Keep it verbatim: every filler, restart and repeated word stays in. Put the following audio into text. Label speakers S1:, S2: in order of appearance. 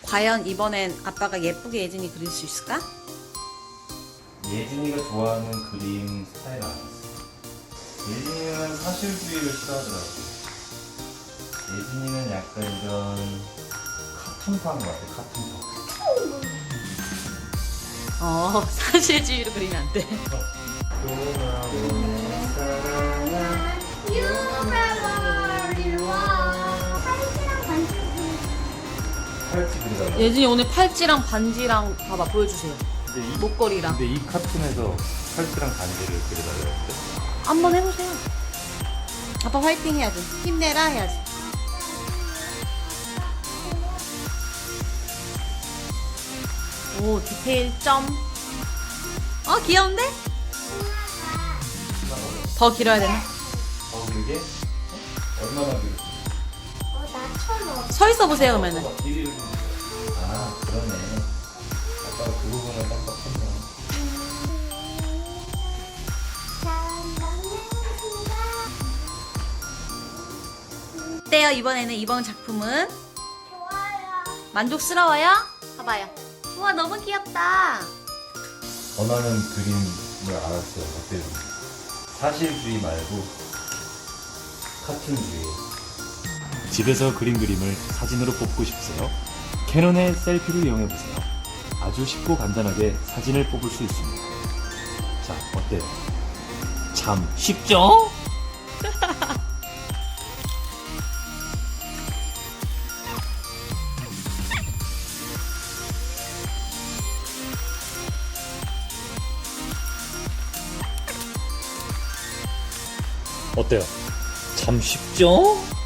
S1: 과연 이번엔 아빠가 예쁘게 예진이 그릴 수 있을까?
S2: 예진이가 좋아하는 그림 스타일 아니었어. 예진이는 사실주의를 싫어하더라고. 예진이는 약간 이런 카툰판 같아, 카툰판.
S1: 어, 사실주의로 그리면 안 돼.
S2: 돌아오는 사랑아. 팔찌 그리다가.
S1: 예진이 오늘 팔찌랑 반지랑 봐봐, 보여주세요.
S2: 근데 이,
S1: 목걸이랑.
S2: 근데 이 카툰에서 팔찌랑 반지를 그려달라고 했대.
S1: 한번 해보세요. 아빠 화이팅 해야지. 힘내라 해야지. 오, 디테일 점. 어, 귀여운데? 더 길어야 되나?
S2: 어, 그게? 얼마나 길어?
S3: 어, 나처럼.
S1: 서 있어 보세요, 그러면은.
S2: 어, 길이를 좀- 아, 그러네. 아빠가 그 부분을 깜빡했네.
S1: 어때요, 이번에는? 이번 작품은?
S3: 좋아요.
S1: 만족스러워요? 봐봐요. 우와, 너무 귀엽다.
S2: 원하는 그림을 알았어요. 어때요? 사실주의 말고 카툰주의. 집에서 그린 그림을 사진으로 뽑고 싶으세요? 캐논의 셀피를 이용해보세요. 아주 쉽고 간단하게 사진을 뽑을 수 있습니다. 자, 어때요? 참 쉽죠? 어때요? 참 쉽죠?